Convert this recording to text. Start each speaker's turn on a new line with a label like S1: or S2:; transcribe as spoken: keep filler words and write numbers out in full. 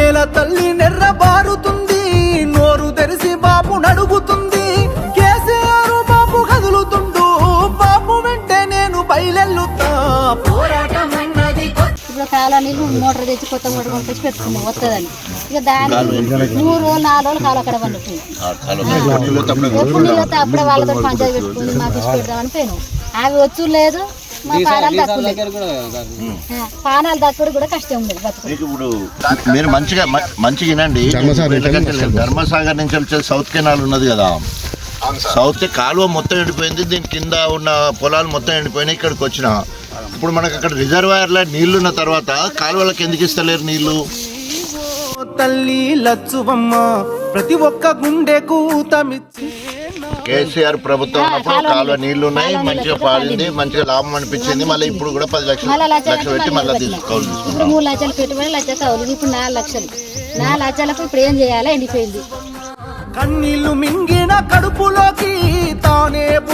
S1: నేల తల్లి నెర్రబారుతుంది, నోరు తెరిసి బాబు నడుగుతుంది. కేసీఆర్ బాబు కదులుతుండు, బాబు వెంటే నేను బయలెల్లుతా. పోరాటం అన్నది
S2: ఇప్పుడు కాలువ నీళ్ళు మోటార్ తెచ్చి కొత్త మోటార్ పంపించి పెట్టుకున్నాం వస్తుందని. ఇక దాని మూడు రోజులు నాలుగు రోజులు కాలు అక్కడ పండుతుంది. ఎప్పుడు నీళ్ళు వస్తే అప్పుడే వాళ్ళతో పంచాయతీ పెట్టుకుని మాకు ఇచ్చి పెడదామని పోయినాం. అవి వచ్చు లేదు, మా పానాలు దక్కులేదు. పానాలు దక్కుడు కూడా కష్టం ఉండదు బతుకు.
S3: ఇప్పుడు మీరు మంచిగా మంచిగా వినండి. ధర్మసాగర్ నుంచి వచ్చే సౌత్ కెనాల్ ఉన్నది కదా, సౌత్ కాలువ మొత్తం ఎండిపోయింది. దీని కింద ఉన్న పొలాలు మొత్తం ఎండిపోయినాయి. ఇక్కడికి వచ్చిన ఇప్పుడు మనకు అక్కడ రిజర్వాయర్లో నీళ్లు ఉన్న తర్వాత కాలువలకు ఎందుకు ఇస్తలేరు నీళ్లు?
S1: తల్లి లచ్చువమ్మ ప్రతి ఒక్క గుండెకు తమిచ్చి.
S3: కేసీఆర్ ప్రభుత్వం ఉన్నప్పుడు కాలువ నీళ్లు ఉన్నాయి, మంచిగా పాడింది, మంచిగా లాభం అనిపించింది. మళ్ళీ ఇప్పుడు కూడా పది లక్షలు లక్షలు పెట్టి మళ్ళీ తీసుకోవాలి.
S2: ఇప్పుడు మూడు లక్షలు పెట్టుబడి లక్ష కౌలు, ఇప్పుడు నాలుగు లక్షలు నాలుగు లక్షలకు ఇప్పుడు ఏం చేయాలి? ఎండిపోయింది.
S1: కన్నీళ్లు మింగిన కడుపులోకి తానే